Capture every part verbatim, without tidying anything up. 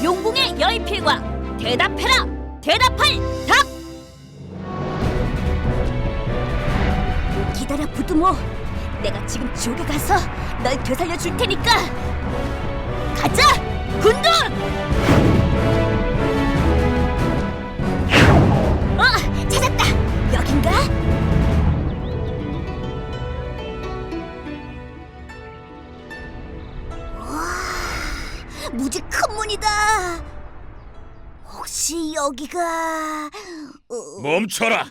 용궁의 여의필과 대답해라! 대답할 답! 기다려 부두모, 내가 지금 지옥에 가서 널 되살려 줄 테니까. 가자, 군돈! 어, 찾았다. 여긴가? 와, 무지 큰 문이다. 혹시 여기가... 어... 멈춰라!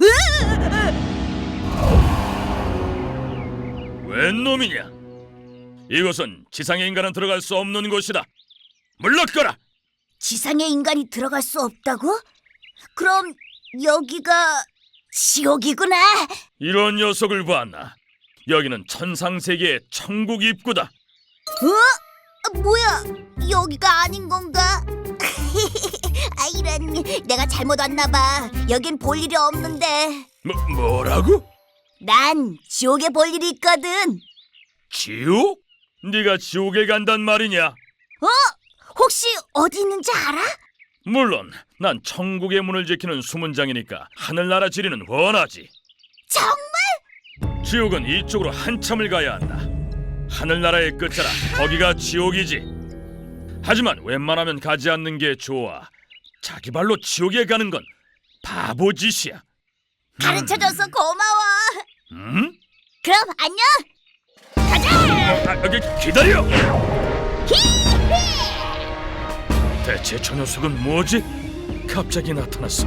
웬 놈이냐? 이곳은 지상의 인간은 들어갈 수 없는 곳이다. 물러거라! 지상의 인간이 들어갈 수 없다고? 그럼 여기가 지옥이구나. 이런 녀석을 봤나? 여기는 천상세계의 천국 입구다. 어? 뭐야? 여기가 아닌 건가? 아, 이런, 내가 잘못 왔나 봐. 여긴 볼 일이 없는데. 뭐, 뭐라고? 난 지옥에 볼 일이 있거든. 지옥? 네가 지옥에 간단 말이냐? 어? 혹시 어디 있는지 알아? 물론 난 천국의 문을 지키는 수문장이니까 하늘나라 지리는 훤하지. 정말? 지옥은 이쪽으로 한참을 가야 한다. 하늘나라의 끝자라 거기가 지옥이지. 하지만 웬만하면 가지 않는 게 좋아. 자기 발로 지옥에 가는 건 바보짓이야. 가르쳐줘서 고마워. 음? 그럼 안녕. 가자. 아, 여기 기다려. 히히. 대체 저 녀석은 뭐지? 갑자기 나타났어.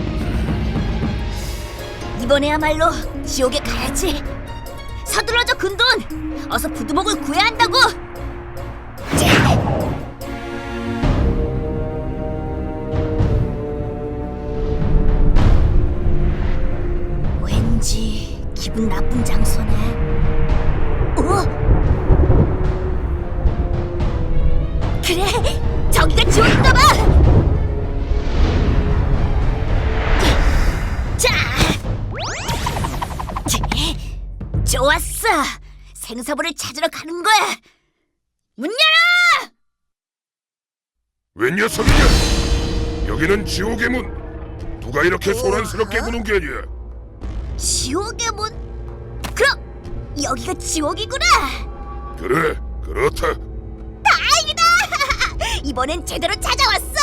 이번에야말로 지옥에 가야지. 서둘러줘 군돈. 어서 부두목을 구해야 한다고. 왠지 기분 나쁜 장소네. 어? 그래, 저기가 지옥인가 봐. 자, 좋았어. 생사부를 찾으러 가는 거야. 문 열어! 웬 녀석이냐? 여기는 지옥의 문. 누가 이렇게 소란스럽게 구는 게냐? 지옥의 문? 그럼 여기가 지옥이구나. 그래, 그렇다. 다행이다. 이번엔 제대로 찾아왔어.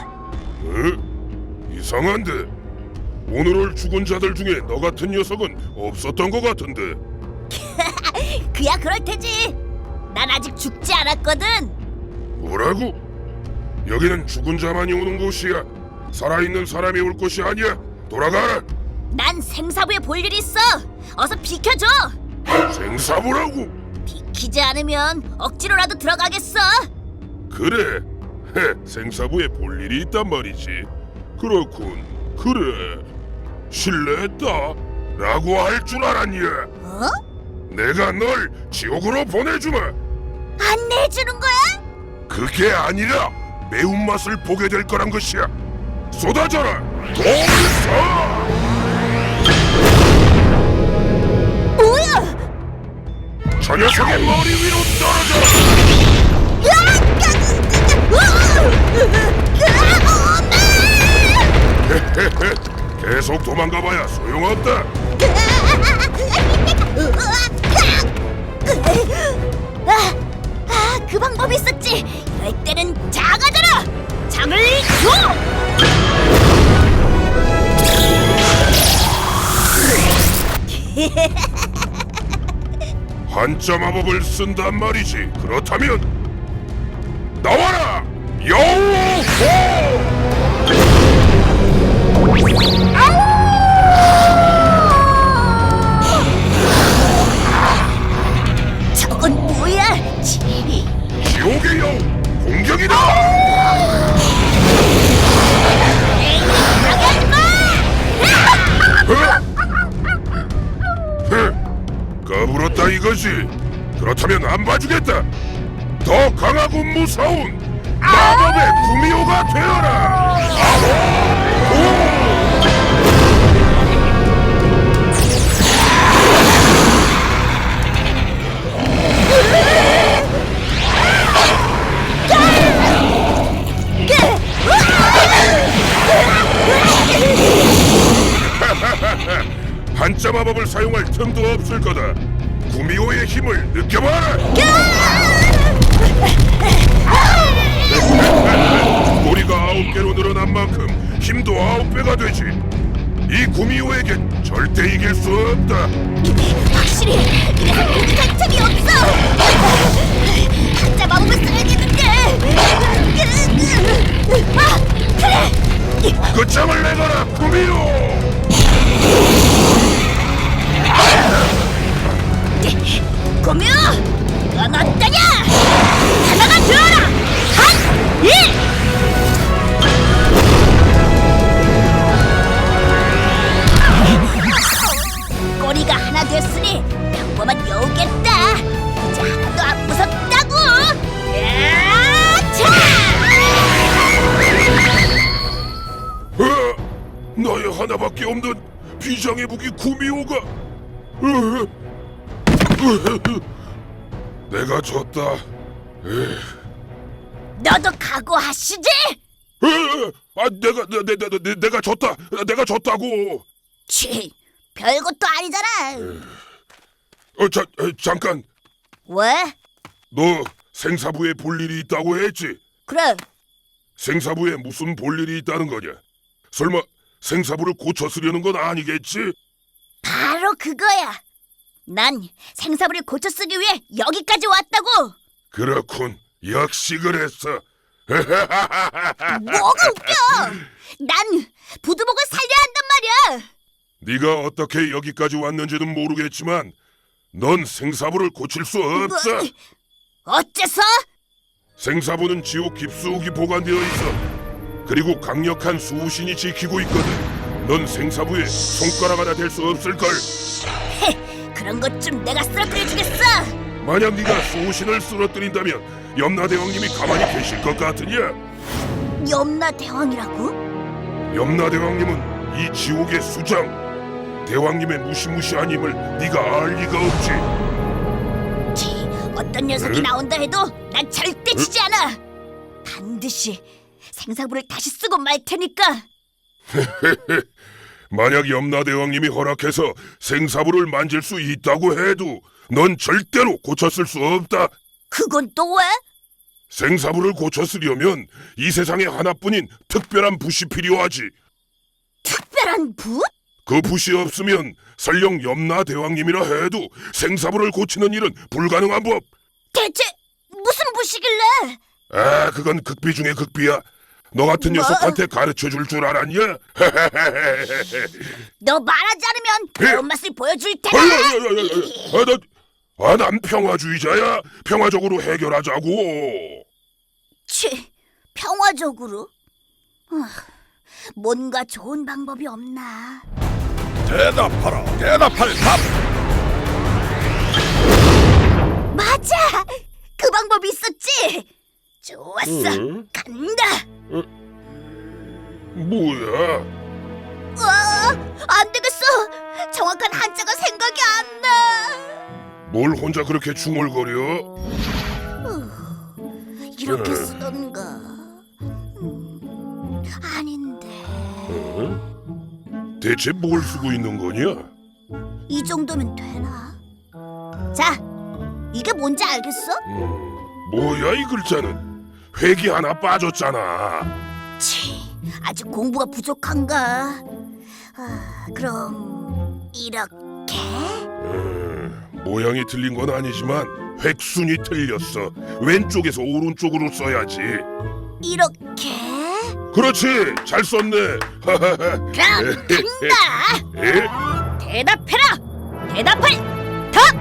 어? 이상한데? 오늘 올 죽은 자들 중에 너 같은 녀석은 없었던 것 같은데. 그야 그럴 테지. 난 아직 죽지 않았거든. 뭐라고? 여기는 죽은 자만이 오는 곳이야. 살아있는 사람이 올 곳이 아니야. 돌아가라. 난 생사부에 볼 일이 있어. 어서 비켜줘. 생사부라고? 비키지 않으면 억지로라도 들어가겠어. 그래. 헤, 생사부에 볼 일이 있단 말이지. 그렇군. 그래. 실례했다. 라고 할 줄 알았냐? 어? 내가 널 지옥으로 보내주마. 안 내주는 거야? 그게 아니라 매운맛을 보게 될 거란 것이야. 쏟아져라. 동서. 뭐야? 저 녀석의 머리 위로 떨어져라. 헤헤헤. 계속 도망가봐야 소용없다. 아, 아, 그 방법이 있었지. 이럴 때는 작아져라. 장을 한자 마법을 쓴단 말이지. 그렇다면 나와라. 여우호. 저건 뭐야? 치. 지옥의 여우 공격이다. 까불었다 이거지. 그렇다면 안 봐주겠다. 더 강하고 무서운 마법의 구미호가 되어라. 아호! 그 마법을 사용할 틈도 없을 거다. 구미호의 힘을 느껴봐라. 꼬리가 아홉 개로 늘어난 만큼 힘도 아홉 배가 되지. 이 구미호에겐 절대 이길 수 없다. 확실히 이래서 목이 갈 틈이 없어. 한자 마법을 써야겠는데. 아, 그래. 끝장을 내거라, 구미호. 고묘, 넌 어떠냐? 하나가 되어라. 한, 일. 꼬리가 하나 됐으니 평범한 여우겠다. 이제 하나도 안 무섭다고. 야차! 어, 너의 하나밖에 없는 비장의 무기 구미호가. 어, 어, 내가 졌다. 에, 너도 각오하시지? 에, 아, 내가 내, 내, 내, 내, 내가 졌다. 내가 졌다고. 치, 별것도 아니잖아. 어, 자, 에, 잠깐. 왜? 너 생사부에 볼 일이 있다고 했지? 그래. 생사부에 무슨 볼 일이 있다는 거냐? 설마 생사부를 고쳐 쓰려는 건 아니겠지? 바로 그거야. 난 생사부를 고쳐 쓰기 위해 여기까지 왔다고. 그렇군. 역시 그랬어. 뭐가 웃겨? 난 부두목을 살려야 한단 말이야. 네가 어떻게 여기까지 왔는지는 모르겠지만 넌 생사부를 고칠 수 없어. 뭐, 어째서? 생사부는 지옥 깊숙이 보관되어 있어. 그리고 강력한 수호신이 지키고 있거든. 넌 생사부에 손가락 하나 될 수 없을걸. 헤, 그런 것 좀 내가 쓰러뜨려주겠어. 만약 네가 수호신을 쓰러뜨린다면 염라대왕님이 가만히 계실 것 같으냐? 염라 대왕이라고? 염라대왕님은 이 지옥의 수장. 대왕님의 무시무시한 힘을 네가 알 리가 없지. 치, 어떤 녀석이 응? 나온다 해도 난 절대 지지 않아. 반드시 생사부를 다시 쓰고 말 테니까. 만약 염라대왕님이 허락해서 생사부를 만질 수 있다고 해도 넌 절대로 고쳤을 수 없다. 그건 또 왜? 생사부를 고쳐 쓰려면 이 세상에 하나뿐인 특별한 붓이 필요하지. 특별한 붓? 그 붓이 없으면 설령 염라대왕님이라 해도 생사부를 고치는 일은 불가능한 법. 대체 무슨 붓이길래? 아, 그건 극비 중의 극비야. 너 같은 뭐? 녀석한테 가르쳐줄 줄 알았냐? 너 말하지 않으면 배운맛을 보여줄 테다. 아, 나, 아, 난 평화주의자야. 평화적으로 해결하자고. 치, 평화적으로? 아, 뭔가 좋은 방법이 없나? 대답하라. 대답할 답. 맞아! 그 방법이 있었지? 좋았어, 응? 간다! 뭐야? 와, 안 되겠어! 정확한 한자가 생각이 안 나! 뭘 혼자 그렇게 중얼거려? 이렇게 응. 쓰던가... 음, 아닌데... 어? 대체 뭘 쓰고 있는 거냐? 이 정도면 되나? 자, 이게 뭔지 알겠어? 음, 뭐야 이 글자는? 획이 하나 빠졌잖아. 치, 아직 공부가 부족한가? 아, 그럼 이렇게? 음, 모양이 틀린 건 아니지만 획순이 틀렸어. 왼쪽에서 오른쪽으로 써야지. 이렇게? 그렇지, 잘 썼네. 그럼 간다! 에? 대답해라! 대답할 답!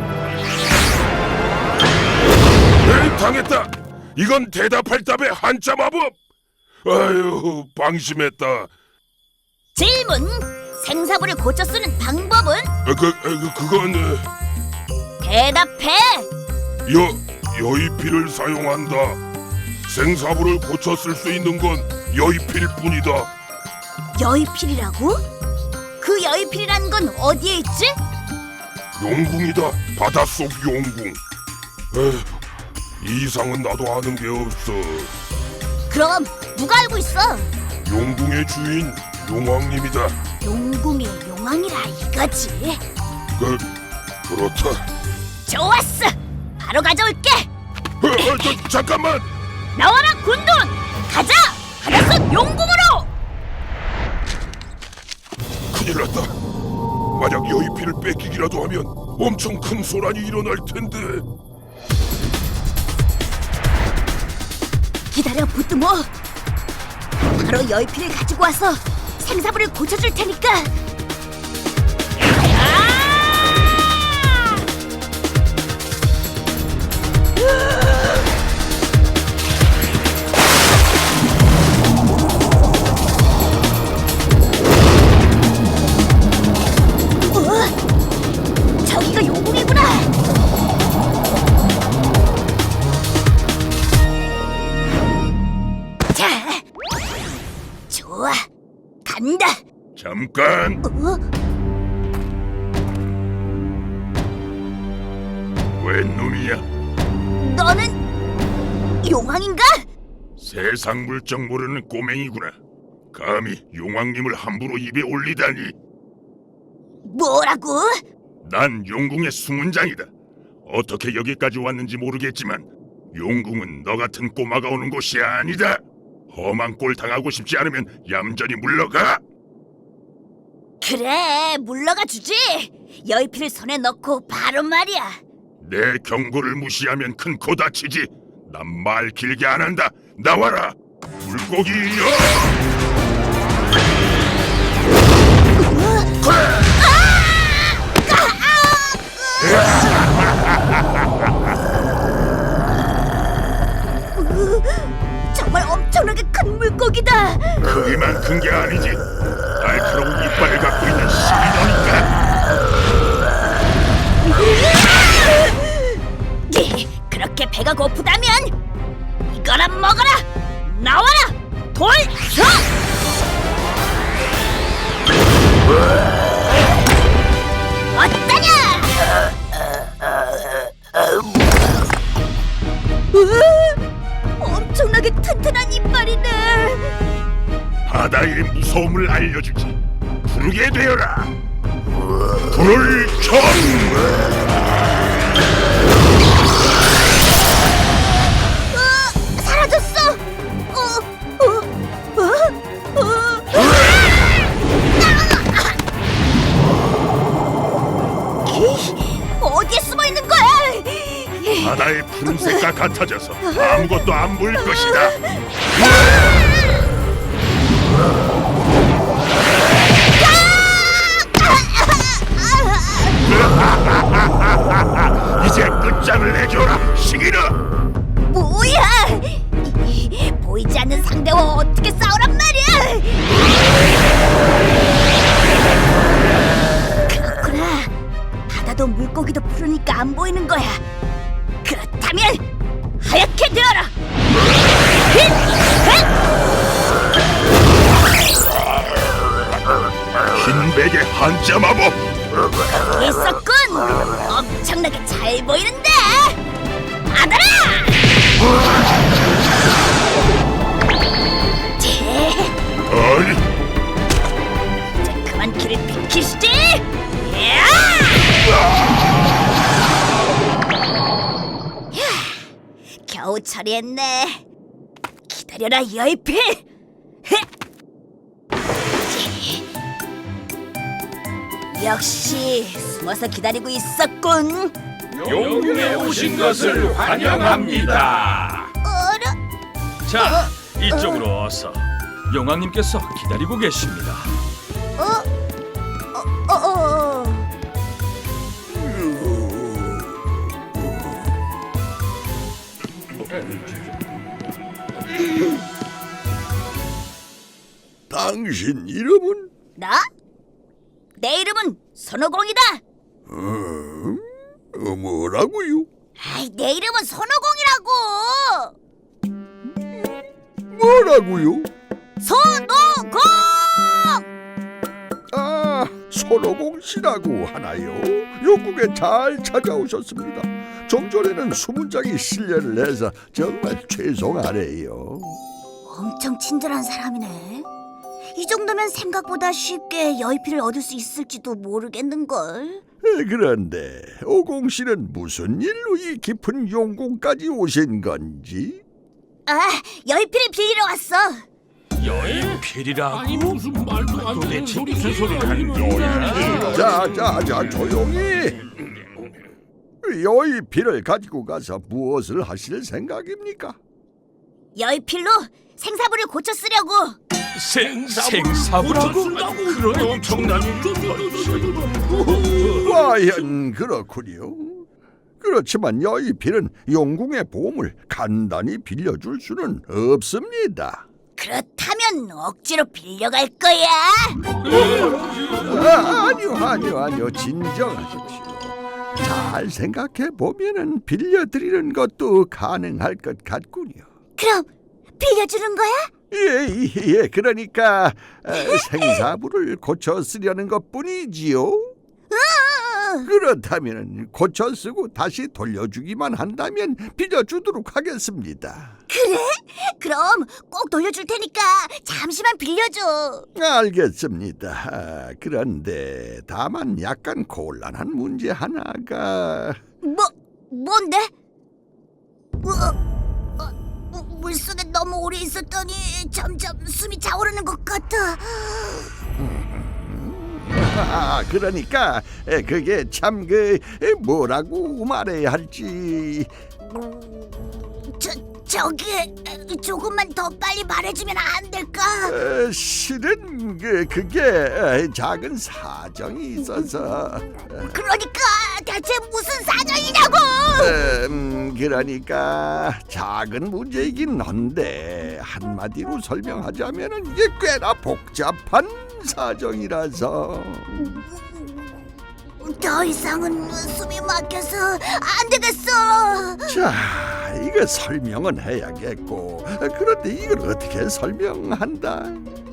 에이, 당했다. 이건 대답할 답의 한자 마법. 아유, 방심했다. 질문! 생사부를 고쳐 쓰는 방법은? 어, 그, 어, 그 그건 어, 대답해! 여 여의필을 사용한다. 생사부를 고쳐 쓸 수 있는 건 여의필 뿐이다. 여의필이라고? 그 여의필이라는 건 어디에 있지? 용궁이다. 바닷속 용궁. 에휴, 이 이상은 나도 아는 게 없어. 그럼 누가 알고 있어? 용궁의 주인 용왕님이다. 용궁의 용왕이라 이거지. 그 그렇다. 좋았어. 바로 가져올게. 어, 어, 저, 잠깐만. 나와라 군돈. 가자. 바닷속 용궁으로. 큰일 났다. 만약 여의피를 뺏기기라도 하면 엄청 큰 소란이 일어날 텐데. 기다려 부뚜모. 바로 여의피를 가지고 와서 생사부를 고쳐줄 테니까. 어? 저기가 용궁이구나. 자, 좋아, 간다. 잠깐. 어? 웬 놈이야? 너는 용왕인가? 세상 물정 모르는 꼬맹이구나. 감히 용왕님을 함부로 입에 올리다니. 뭐라고? 난 용궁의 수문장이다. 어떻게 여기까지 왔는지 모르겠지만 용궁은 너 같은 꼬마가 오는 곳이 아니다. 험한 꼴 당하고 싶지 않으면 얌전히 물러가. 그래, 물러가 주지. 여의피를 손에 넣고 바로 말이야. 내 경고를 무시하면 큰 코 다치지. 난 말 길게 안 한다. 나와라. 물고기여. 정말 엄청나게 큰 물고기다. 크기만 큰 게 아니지. 날카로운 이빨을 갖고 있는 시리너니까. 그렇게 배가 고프다면 이거나 먹어라. 나와라, 돌서. 어떠냐? 으, 엄청나게 튼튼한 이빨이네. 바다의 무서움을 알려주지. 부르게 되어라. 불을 청. 사라졌어. 어, 어, 어, 어. 어디에 숨어 있는 거야? 바다의 푸른색과 같아져서 아무것도 안 보일 것이다. 이제 끝장을 내줘라, 시기라. 뭐야? 보이지 않는 상대와 어떻게 싸우란 말이야? 그렇구나. 바다도 물고기도 푸르니까 안 보이는 거야. 그렇다면 하얗게 되어라. 흰 베개 한자 마법. 있었군. 엄청나게 잘 보이는데. 받아라. 아니, 이제 그만 길을 비키시지. 야! 겨우 처리했네. 기다려라, 여의필. 역시 숨어서 기다리고 있었군. 용궁에 오신 것을 환영합니다. 어라? 자, 이쪽으로 어서. 용왕님께서 기다리고 계십니다. 어? 어? 어? 어? 당신 이름은? 나? 내 이름은 손오공이다. 음, 어, 뭐라고요? 아이, 내 이름은 손오공이라고. 뭐라고요? 손오공! 아, 손오공 씨라고 하나요? 영국에 잘 찾아오셨습니다. 좀 전에는 수문장이 실례를 해서 정말 죄송하네요. 엄청 친절한 사람이네. 이 정도면 생각보다 쉽게 여의피를 얻을 수 있을지도 모르겠는걸. 에, 그런데 오공 씨는 무슨 일로 이 깊은 용궁까지 오신 건지? 아, 여의피를 빌리러 왔어. 여인필이라고? 아니 무슨 말도 안 되는 소리 무슨 소리를 하는 거야? 자, 자, 자, 조용히. 여의피를 가지고 가서 무엇을 하실 생각입니까? 여의필로 생사부를 고쳐 쓰려고. 생, 생사부라고? 쓴다고 그런 엄청난 과연 그렇군요. 그렇지만 여의필은 용궁의 보물 간단히 빌려줄 수는 없습니다. 그렇다면 억지로 빌려갈 거야. 아, 아니요, 아니요, 아니요. 진정하십시오. 잘 생각해 보면은 빌려드리는 것도 가능할 것 같군요. 그럼 빌려주는 거야? 예, 예, 그러니까 에, 생사부를 고쳐 쓰려는 것뿐이지요. 응. 그렇다면 고쳐 쓰고 다시 돌려주기만 한다면 빌려주도록 하겠습니다. 그래? 그럼 꼭 돌려줄 테니까 잠시만 빌려줘. 알겠습니다. 아, 그런데 다만 약간 곤란한 문제 하나가. 뭐, 뭔데? 어, 어, 물속에 너무 오래 있었더니 점점 숨이 차오르는 것 같아. 아, 그러니까 에, 그게 참 그 뭐라고 말해야 할지. 저, 저기 조금만 더 빨리 말해주면 안 될까? 에, 실은 그 그게 에, 작은 사정이 있어서. 그러니까 대체 무슨 사정이냐고? 음, 그러니까 작은 문제이긴 한데 한마디로 설명하자면은 이게 꽤나 복잡한 사정이라서. 더 이상은 숨이 막혀서 안 되겠어. 자, 이거 설명은 해야겠고, 그런데 이걸 어떻게 설명한다?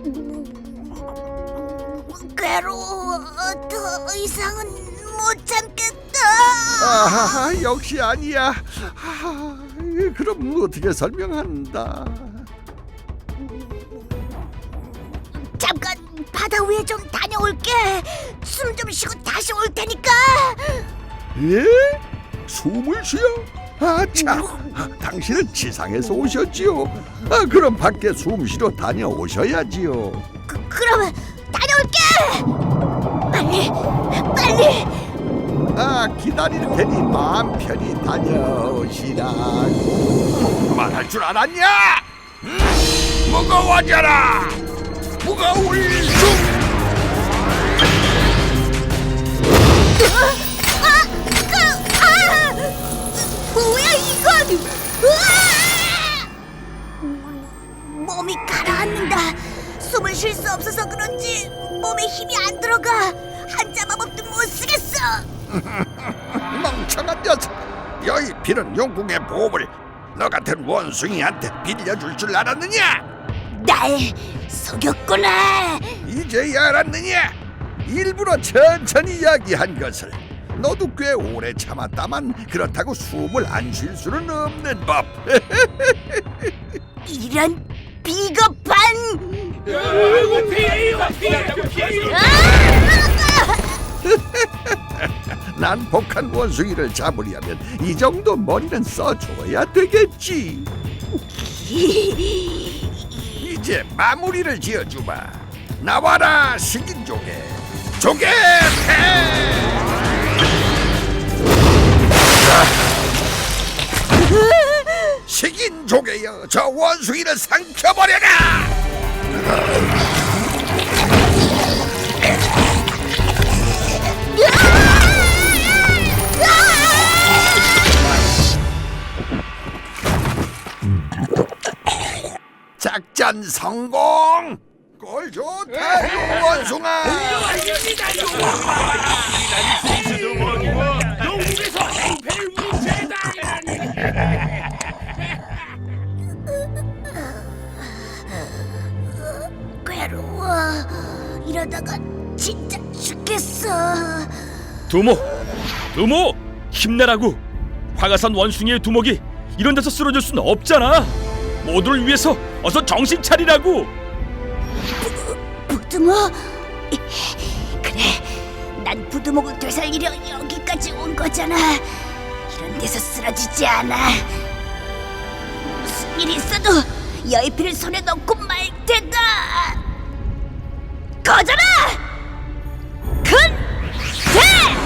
괴로워. 더 이상은 못 참겠다. 아, 역시 아니야. 아, 그럼 어떻게 설명한다? 잠깐 바다 위에 좀 다녀올게. 숨 좀 쉬고 다시 올 테니까. 예? 숨을 쉬어? 아, 참. 당신은 지상에서 오셨지요? 아, 그럼 밖에 숨 쉬러 다녀오셔야지요. 그, 그러면 다녀올게. 빨리, 빨리. 아, 기다릴 테니 마음 편히 다녀오시라. 말할 줄 알았냐? 음, 무거워져라. 무거울 수. 아, 그, 아, 뭐야 이건? 으아! 몸이 가라앉는다. 숨을 쉴 수 없어서 그런지 몸에 힘이 안 들어가. 한자 마법도 못 쓰겠어. 멍청한 녀석. 여의필은 용궁의 보물 너 같은 원숭이한테 빌려줄 줄 알았느냐? 날 속였구나. 이제야 알았느냐? 일부러 천천히 이야기한 것을. 너도 꽤 오래 참았다만 그렇다고 숨을 안 쉴 수는 없는 법. 이런 비겁한. 아이고 피해 피해 피해 난 복한 원숭이를 잡으려면 이 정도 머리는 써줘야 되겠지. 이제 마무리를 지어주마. 나와라 식인 조개. 조개 태. 식인 조개여, 저 원숭이를 삼켜버려라. 작전 성공. 꼴 좋다 원숭아. 영국에서 행패를 무죄당하니 괴로워. 이러다가 진짜 죽겠어. 두목, 두목, 힘내라고. 화가산 원숭이의 두목이 이런 데서 쓰러질 수는 없잖아. 모두를 위해서 어서 정신 차리라고. 부두모? 그래, 난 부두목을 되살리려 여기까지 온 거잖아. 이런 데서 쓰러지지 않아. 무슨 일이 있어도 여의피를 손에 넣고 말 테다. 거져라! 근대!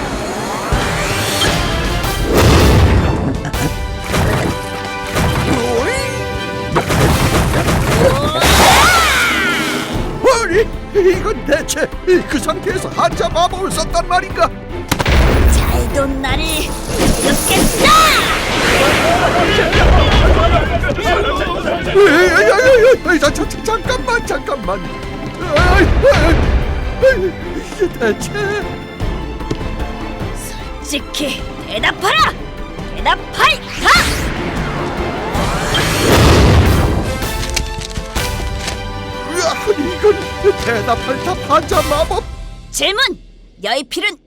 아니, 이건 대체 그 상태에서 한자 마법을 썼단 말인가? 잘도 나를 이렇겠다! 에이, 에이, 에이, 자, 자, 자, 잠깐만, 잠깐만. 아이, 아이, 아이, 이게 대체 솔직히 대답하라! 대답할까? 으아, 이건 대답할 답 한자 마법. 질문! 여의필은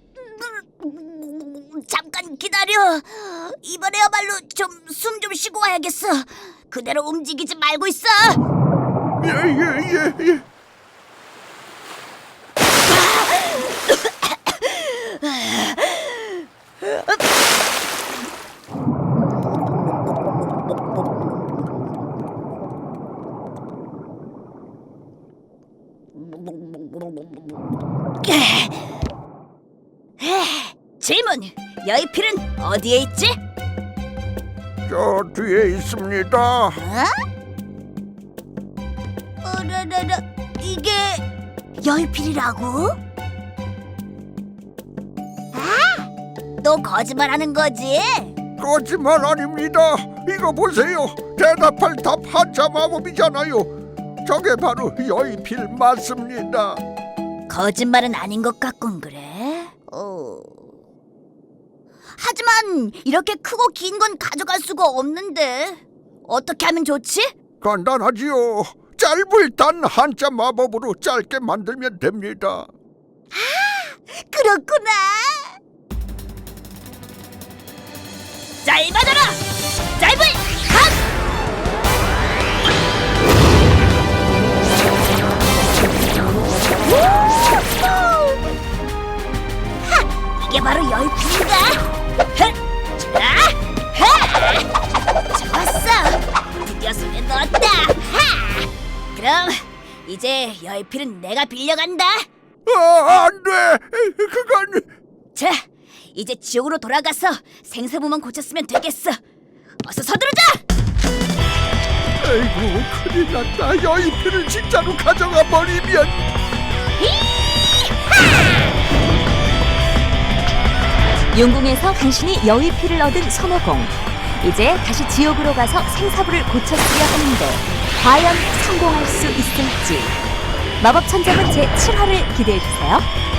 잠깐 기다려. 이번에야말로 좀 숨 좀 쉬고 와야겠어. 그대로 움직이지 말고 있어. 예, 예, 예, 예. 질문! 여의필은 어디에 있지? 저 뒤에 있습니다. 어? 어라라라, 이게 여의필이라고? 아, 너 거짓말하는 거지? 거짓말 아닙니다. 이거 보세요. 대답할 답 한자 마법이잖아요. 저게 바로 여의필 맞습니다. 거짓말은 아닌 것 같군. 그래? 어. 하지만 이렇게 크고 긴 건 가져갈 수가 없는데 어떻게 하면 좋지? 간단하지요. 짧을 단 한자 마법으로 짧게 만들면 됩니다. 그렇구나. 짧아져라! 짧을 한! 하! 이게 바로 여의필인가? 좋았어! 드디어 손에 넣었다! 하! 그럼 이제 여의필은 내가 빌려간다. 아, 안 돼. 그건 자, 이제 지옥으로 돌아가서 생사부만 고쳤으면 되겠어. 어서 서두르자! 아이고, 큰일 났다. 여의필을 진짜로 가져가 버리면. 용궁에서 간신히 여의피를 얻은 손오공. 이제 다시 지옥으로 가서 생사부를 고쳤으려 하는데 과연 성공할 수 있을지. 마법 천장은 제칠 화를 기대해주세요.